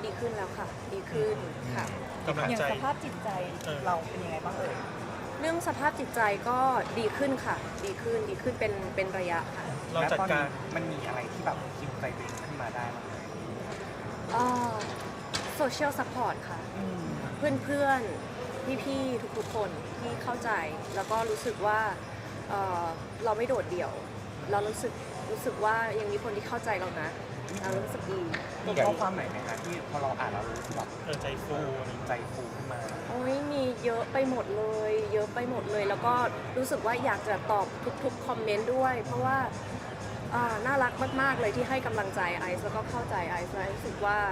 ดีขึ้นแล้วค่ะดีขึ้นค่ะกำลังอย่างใจสภาพจิตใจเราเป็นยังไงบ้างเอ่ยเรื่องสภาพจิตใจก็ดีขึ้นค่ะดีขึ้นเป็นระยะค่ะเราจัดการมันมีอะไรที่แบบคิวใจตัวเองขึ้นมาได้บ้างไหมโซเชียลซัพพอร์ตค่ะ เพื่อนๆ พี่ๆ ทุกๆ คนที่เข้าใจ แล้วก็รู้สึกว่าเราไม่โดดเดี่ยว เรารู้สึกว่ายังมีคนที่เข้าใจเรานะเรารู้สึกดีมีข้อความไหนไหมคะที่พอเราอ่านแล้วรู้สึกแบบใจฟูอะไรอย่างเงี้ยใจฟูขึ้นมาโอ้ยมีเยอะไปหมดเลย เยอะไปหมดเลย แล้วก็รู้สึกว่าอยากจะตอบทุกๆ คอมเมนต์ด้วย เพราะว่าน่ารักมากๆ เลยที่ให้กำลังใจไอซ์แล้วก็เข้าใจไอซ์และรู้สึกว่า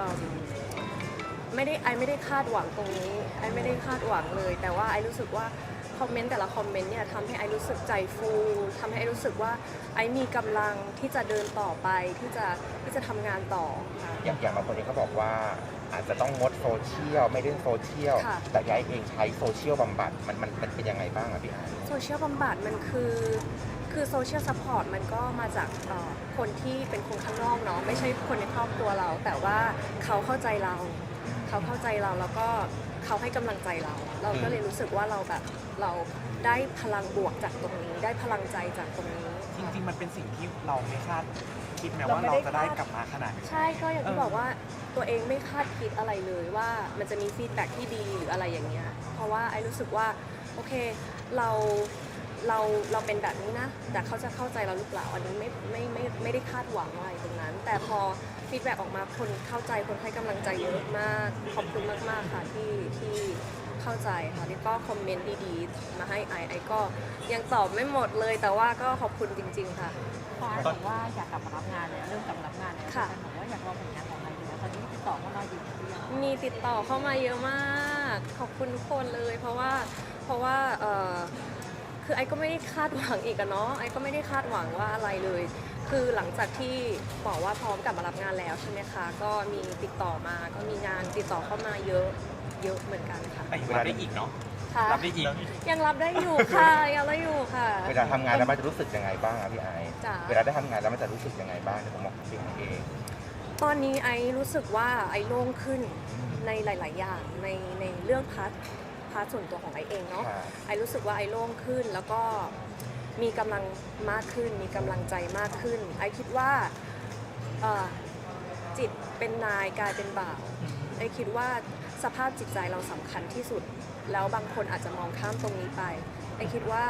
ไม่ได้คาดหวังตรงนี้ไอไม่ได้คาดหวังเลย แต่ว่าไอรู้สึกว่าคอมเมนต์แต่ละคอมเมนต์เนี่ยทำให้ไอรู้สึกใจฟูทำให้ไอรู้สึกว่าไอมีกำลังที่จะเดินต่อไปที่จะทำงานต่อค่ะอย่างบางคนเองก็บอกว่าอาจจะต้องงดโซเชียลไม่เล่นโซเชียลค่ะแต่ยายเองใช้โซเชียลบำบัดมันเป็นยังไงบ้างอะพี่ไอซ์โซเชียลบำบัดมันคือโซเชียลซัพพอร์ตมันก็มาจากคนที่เป็นคนข้างนอกเนาะไม่ใช่คนในครอบครัวเรา แต่ว่าเขาเข้าใจเราแล้วก็เขาให้กำลังใจเรา เราก็เลยรู้สึกว่าเราแบบเราได้พลังบวกจากตรงนี้ ได้พลังใจจากตรงนี้จริงๆมันเป็นสิ่งที่เราไม่คาดคิดแม้ว่าเราจะได้กลับมาขนาดนี้ใช่ก็อย่างที่บอกว่าตัวเองไม่คาดคิดอะไรเลยว่ามันจะมีฟีดแบ็กที่ดีหรืออะไรอย่างเงี้ยเพราะว่าไอ้รู้สึกว่าโอเคเราเป็นแบบนี้นะแต่เขาจะเข้าใจเราหรือเปล่าอันนี้ไม่ได้คาดหวังอะไรตรงนั้น แต่พอฟีดแบ็กออกมาคนเข้าใจคนให้กำลังใจเยอะมากขอบคุณมากๆค่ะที่เข้าใจค่ะแล้วก็คอมเมนต์ดีๆมาให้ไอก็ยังตอบไม่หมดเลย แต่ว่าก็ขอบคุณจริงๆค่ะพอไอบอกว่าอยากกลับมารับงานแล้วเริ่มกลับมารับงานแล้วค่ะแต่บอกว่าอยากลองผลงานของอะไรอยู่แล้วตอนนี้ติดต่อเข้ามาอยู่หรือยังมีติดต่อเข้ามาเยอะมากขอบคุณทุกคนเลย เพราะว่าคือไอ้ก็ไม่ได้คาดหวังอีกอะเนาะไอ้ก็ไม่ได้คาดหวังว่าอะไรเลย คือหลังจากที่บอกว่าพร้อมกลับมารับงานแล้วใช่ไหมคะก็มีติดต่อมาก็มีงานติดต่อเข้ามาเยอะเหมือนกันค่ะแต่ยังรับได้อีกเนาะค่ะรับได้อีกยังรับได้อยู่ค่ะยังรับได้อยู่ค่ะเวลาทำงานแล้วมันจะรู้สึกยังไงบ้างอะพี่ไอซ์จ๋าเวลาได้ทำงานแล้วมันจะรู้สึกยังไงบ้างในผมบอกพี่ไอซ์เองตอนนี้ไอ้รู้สึกว่าไอ้โล่งขึ้นในหลาย ๆ อย่างในเรื่องพาร์ทส่วนตัวของไอ้เองเนาะค่ะไอ้รู้สึกว่าไอ้โล่งขึ้นแล้วก็มีกำลังมากขึ้นมีกำลังใจมากขึ้นไอ้คิดว่าจิตเป็นนายกายเป็นบ่าวไอ้คิดว่าสภาพจิตใจเราสำคัญที่สุด แล้วบางคนอาจจะมองข้ามตรงนี้ไปไอ้คิดว่า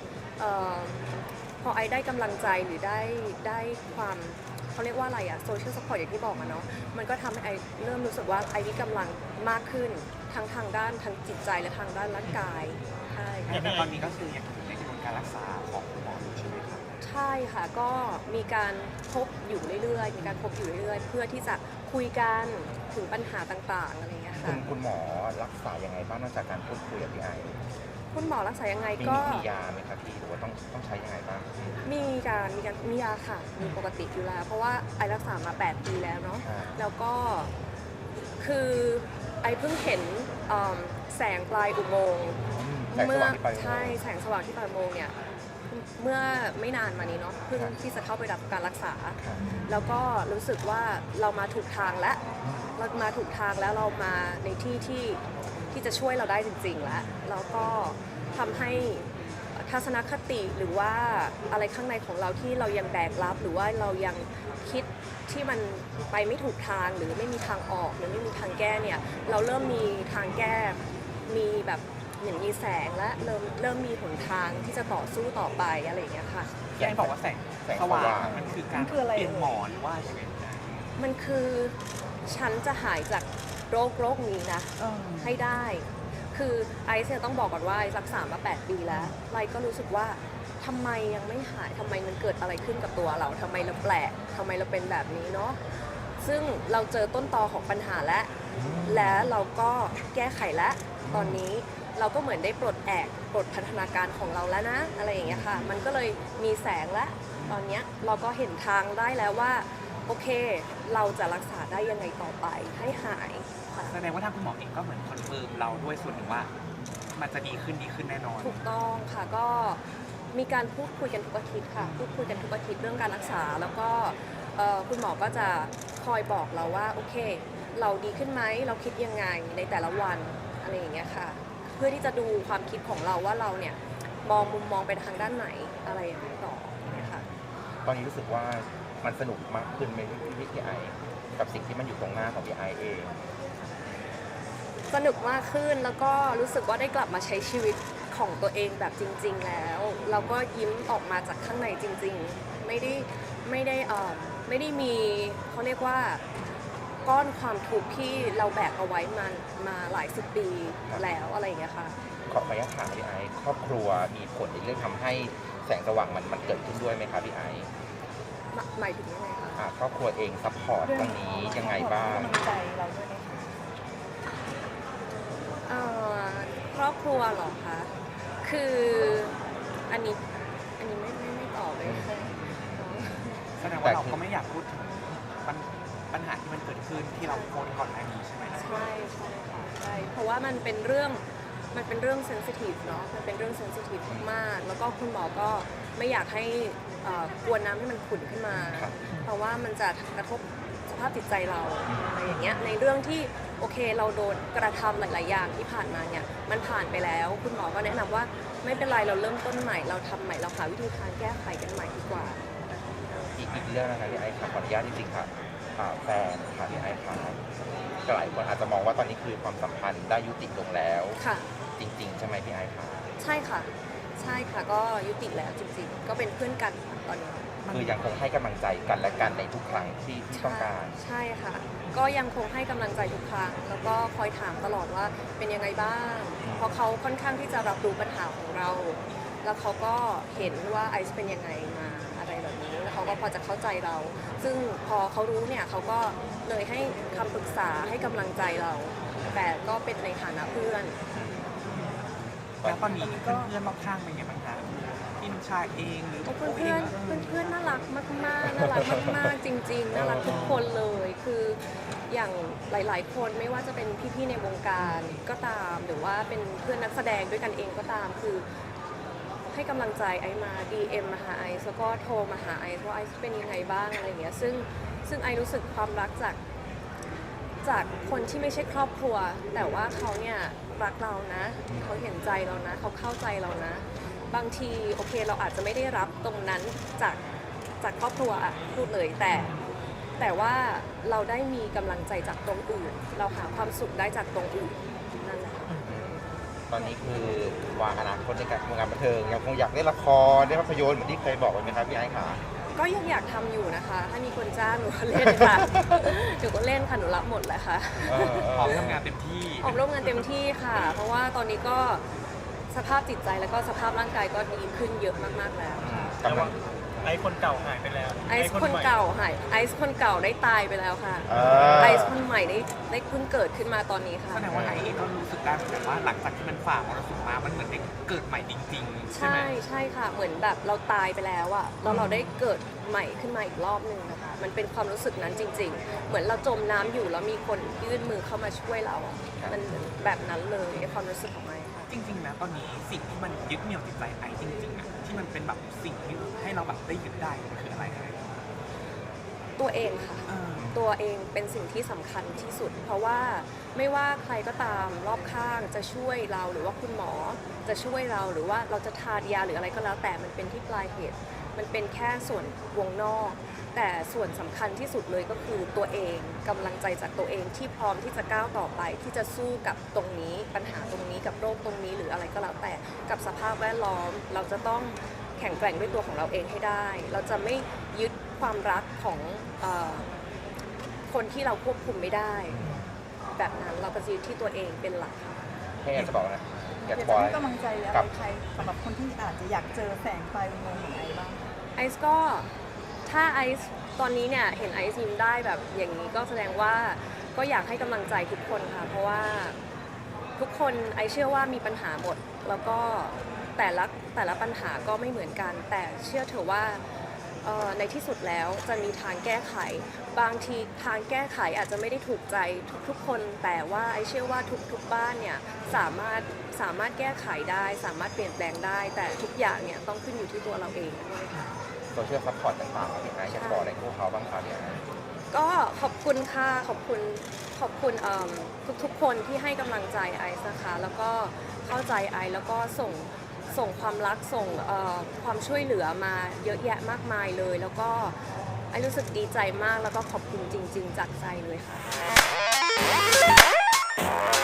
พอไอ้ได้กำลังใจหรือได้ความเขาเรียกว่าอะไรอะโซเชียลซัพพอร์ตอย่างที่บอกอะเนาะมันก็ทำให้ไอ้เริ่มรู้สึกว่าไอ้มีกำลังมากขึ้นทั้งทางด้านทั้งจิตใจและทางด้านร่างกายใช่แต่ตอนนี้ก็คือยังอยู่ในกระบวนการรักษาของคุณหมออยู่ใช่ไหมครับใช่ค่ะก็มีการพบอยู่เรื่อยๆมีการพบอยู่เรื่อยๆ เพื่อที่จะคุยกันถึงปัญหาต่างๆอะไรอย่างเงี้ยค่ะคุณหมอรักษายังไงบ้างนอกจากการพูดคุยกับพี่ไอซ์คุณหมอรักษายังไงมีก็ยาไหมครับพี่หรือว่าต้องใช้ยังไงบ้างมียาค่ะมีปกติอยู่แล้ว เพราะว่าไอรักษามา 8 ปีแล้วเนาะอ่าแล้วก็คือไอเพิ่งเห็นแสงปลายอุโมงค์แสงสว่างที่ไปใช่แสงสว่างที่ปลายอุโมงค์เนี่ยเมื่อไม่นานมานี้เนาะเพิ่งที่จะเข้าไปรับการรักษาค่ะแล้วก็รู้สึกว่าเรามาถูกทางแล้วเรามาถูกทางแล้วเรามาในที่ที่จะช่วยเราได้จริงๆแล้วแล้วก็ทำให้ทัศนคติหรือว่าอะไรข้างในของเราที่เรายังแบกรับหรือว่าเรายังคิดที่มันไปไม่ถูกทางหรือไม่มีทางออกหรือไม่มีทางแก้เนี่ยเราเริ่มมีทางแก้มีแบบเหมือนมีแสงและเริ่มมีหนทางที่จะต่อสู้ต่อไปอะไรอย่างเงี้ยค่ะที่ไอ้บอกว่าแสงแสงสสว่าว่างงมันคือการมันคืออะไรเปลี่ยนหมอนหรือว่ายังไงมันคือฉันจะหายจากโรคนี้นะ ให้ได้ คือไอซ์เนี่ยต้องบอกก่อนว่าไอซ์รักษามา 8 ปีแล้วไอซ์ก็รู้สึกว่าทำไมยังไม่หายทำไมมันเกิดอะไรขึ้นกับตัวเราทำไมเราแปลกทำไมเราเป็นแบบนี้เนาะ ซึ่งเราเจอต้นตอของปัญหาและเราก็แก้ไขแล้วตอนนี้เราก็เหมือนได้ปลดพัฒนาการของเราแล้วนะอะไรอย่างเงี้ยค่ะ มันก็เลยมีแสงแล้วตอนเนี้ยเราก็เห็นทางได้แล้วว่าโอเค เราจะรักษาได้ยังไงต่อไปให้หายค่ะแสดงว่าทางคุณหมอเองก็เหมือนคอนเฟิร์มเราด้วยส่วนหนึ่งว่า มันจะดีขึ้นแน่นอนถูกต้องค่ะก็มีการพูดคุยกันทุกอาทิตย์ค่ะพูดคุยกันทุกอาทิตย์เรื่องการรักษาแล้วก็คุณหมอก็จะคอยบอกเราว่าโอเค เราดีขึ้นไหมเราคิดยังไงในแต่ละวันอะไรอย่างเงี้ยค่ะ เพื่อที่จะดูความคิดของเราว่าเราเนี่ยมองมุมมองไปทางด้านไหนอะไรอย่างนี้ต่ออย่างเงี้ยค่ะตอนนี้รู้สึกว่ามันสนุกมากขึ้นไหมพี่ไอกับสิ่งที่มันอยู่ตรงหน้าของพี่ไอเองสนุกมากขึ้นแล้วก็รู้สึกว่าได้กลับมาใช้ชีวิตของตัวเองแบบจริง ๆ แล้วเราก็ยิ้มออกมาจากข้างในจริง ๆ ไม่ได้มีเขาเรียกว่าก้อนความทุกข์ที่เราแบกเอาไว้มาหลายสิบปีแล้วอะไรอย่างเงี้ยค่ะขออนุญาตถามพี่ไอครอบครัวมีผลในเรื่องทำให้แสงสว่างมันเกิดขึ้นด้วยไหมครับพี่ไอหมายถึงยังไงคะครอบครัวเองซัพพอร์ตตรงนี้ยังไงบ้างกำลังใจเราด้วยไหมคะครอบครัวเหรอคะ คืออันนี้ไม่ตอบเลยแสดงว่าเราก็ไม่อยากพูดถึงปัญหาที่มันเกิดขึ้นที่เราโพสต์ก่อนหน้านี้ใช่ไหมใช่ค่ะใช่เพราะว่ามันเป็นเรื่องเซนซิทีฟเนาะมันเป็นเรื่องเซนซิทีฟมากๆแล้วก็คุณหมอก็ไม่อยากให้กวนน้ำให้มันขุ่นขึ้นมาครับเพราะว่ามันจะกระทบสภาพจิตใจเราอะไรอย่างเงี้ยในเรื่องที่โอเคเราโดนกระทำหลาย ๆ อย่างที่ผ่านมาเนี่ยมันผ่านไปแล้วคุณหมอก็แนะนำว่าไม่เป็นไรเราเริ่มต้นใหม่เราทำใหม่เราหาวิธีทางแก้ไขกันใหม่ดีกว่าอีกเรื่องนะครับพี่ไอครับขออนุญาตจริงๆค่ะแฟนค่ะพี่ไอครับหลายคนอาจจะมองว่าตอนนี้คือความสัมพันธ์ได้ยุติลงแล้วค่ะจริง ๆ ใช่ไหมพี่ไอครับใช่ค่ะใช่ค่ะก็ยุติแล้วจริง ๆ ก็เป็นเพื่อนกันตอนนี้คือยังคงให้กำลังใจกันและกันในทุกครั้งที่ต้องการใช่ค่ะ ก็ยังคงให้กำลังใจทุกครั้ง แล้วก็คอยถามตลอดว่าเป็นยังไงบ้าง เพราะเขาค่อนข้างที่จะรับรู้ปัญหาของเรา แล้วเขาก็เห็นว่าไอซ์เป็นยังไงมาอะไรแบบนี้ แล้วเขาก็พอจะเข้าใจเรา ซึ่งพอเขารู้เนี่ยเขาก็เลยให้คำปรึกษาให้กำลังใจเรา แต่ก็เป็นในฐานะเพื่อนแล้วตอนนี้เพื่อนๆรอบข้างเป็นไงบ้างคะพี่นุชาเองหรือเพื่อนน่ารักมากๆน่ารักมากๆจริง ๆ น่ารักทุกคนเลย คืออย่างหลาย ๆ คนไม่ว่าจะเป็นพี่ๆในวงการก็ตาม หรือว่าเป็นเพื่อนนักแสดงด้วยกันเองก็ตาม คือให้กำลังใจไอซ์มา DM มาหาไอซ์แล้วก็โทรมาหาไอซ์ว่าไอซ์เป็นยังไงบ้างอะไรอย่างเงี้ย ซึ่งไอซ์รู้สึกความรักจากคนที่ไม่ใช่ครอบครัว แต่ว่าเขาเนี่ยรักเรานะ เขาเห็นใจเรานะ เขาเข้าใจเรานะ บางทีโอเคเราอาจจะไม่ได้รับตรงนั้นจากครอบครัวอะพูดเลยแต่ว่าเราได้มีกำลังใจจากตรงอื่น เราหาความสุขได้จากตรงอื่นนั่นแหละตอนนี้คือวางอนาคตในการทำงานบันเทิงยังคงอยากเล่นละครเล่นภาพยนตร์เหมือนที่เคยบอกไว้ไหมครับพี่ไอ้ขาก็ยังอยากทำอยู่นะคะ ถ้ามีคนจ้างหนูก็เล่นค่ะ หนูก็เล่นค่ะ หนูรับหมดแหละค่ะพร้อมทำงานเต็มที่ออกร่วมงานเต็มที่ค่ะ เพราะว่าตอนนี้ก็สภาพจิตใจแล้วก็สภาพร่างกายก็ดีขึ้นเยอะมากๆแล้วค่ะกำลังไอคนเก่าหายไปแล้วไอซ์คนเก่าหายไอซ์คนเก่าได้ตายไปแล้วค่ะาไอซ์คนใหม่ได้เพิ่งเกิดขึ้นมาตอนนี้ค่ะแสดงว่าไอเองก็รู้สึกได้เหมือนกันว่าหลังจากที่มันฝ่ามรสุมมามันเหมือนได้เกิดใหม่จริงๆ ใช่ไหมใช่ค่ะ เหมือนแบบเราตายไปแล้วอะแล้วเราได้เกิดใหม่ขึ้นมาอีกรอบหนึ่งนะคะ มันเป็นความรู้สึกนั้นจริง ๆ เหมือนเราจมน้ำอยู่แล้วมีคนยื่นมือเข้ามาช่วยเราอะมันแบบนั้นเลยไอ้ความรู้สึกของไอซ์ค่ะจริงๆนะตอนนี้สิ่งที่มันยึดเหนี่ยวจิตใจไอจริงๆอะที่มันเป็นแบบสิ่งที่ให้เราแบบได้ยึดได้มันคืออะไรไอตัวเองค่ะ ตัวเองเป็นสิ่งที่สำคัญที่สุด เพราะว่าไม่ว่าใครก็ตามรอบข้างจะช่วยเราหรือว่าคุณหมอจะช่วยเราหรือว่าเราจะทานยาหรืออะไรก็แล้วแต่มันเป็นที่ปลายเหตุ มันเป็นแค่ส่วนวงนอก แต่ส่วนสำคัญที่สุดเลยก็คือตัวเองกำลังใจจากตัวเองที่พร้อมที่จะก้าวต่อไป ที่จะสู้กับตรงนี้ปัญหาตรงนี้กับโรคตรงนี้หรืออะไรก็แล้วแต่กับสภาพแวดล้อม เราจะต้องแข็งแกร่งด้วยตัวของเราเองให้ได้ เราจะไม่ยึดความรักของคนที่เราควบคุมไม่ได้ แบบนั้นเราก็จะยึดที่ตัวเองเป็นหลักค่ะแค่อยากจะบอกนะอายอยาก กบจะอกให้กำลังใจอะไรใครสำหรับคนที่อาจจะอยากเจอแสงไฟอุโมงค์ของไอบ้างไอซ์ก็ถ้าไอซ์ตอนนี้เนี่ยเห็นไอซ์ยิ้มได้แบบอย่างนี้ก็แสดงว่าก็อยากให้กำลังใจทุกคนค่ะเพราะว่าทุกคนไอซ์เชื่อว่ามีปัญหาหมด แล้วก็แต่ละปัญหาก็ไม่เหมือนกัน แต่เชื่อเถอะว่าในที่สุดแล้วจะมีทางแก้ไข บางทีทางแก้ไขอาจจะไม่ได้ถูกใจทุกๆคน แต่ว่าไอเชื่อว่าทุกบ้านเนี่ยสามารถแก้ไขได้ สามารถเปลี่ยนแปลงได้ แต่ทุกอย่างเนี่ยต้องขึ้นอยู่ที่ตัวเราเองด้วยค่ะโซเชียลซัพพอร์ตต่างๆพี่ไอซ์อยากบอกอะไรพวกเขาบ้างคะพี่ไอซ์ก็ขอบคุณค่ะขอบคุณทุกๆคนที่ให้กำลังใจไอซ์นะคะแล้วก็เข้าใจไอซ์แล้วก็ส่งความรักส่งความช่วยเหลือมาเยอะแยะมากมายเลย แล้วก็ไอซ์รู้สึกดีใจมากแล้วก็ขอบคุณจริงๆจากใจเลยค่ะ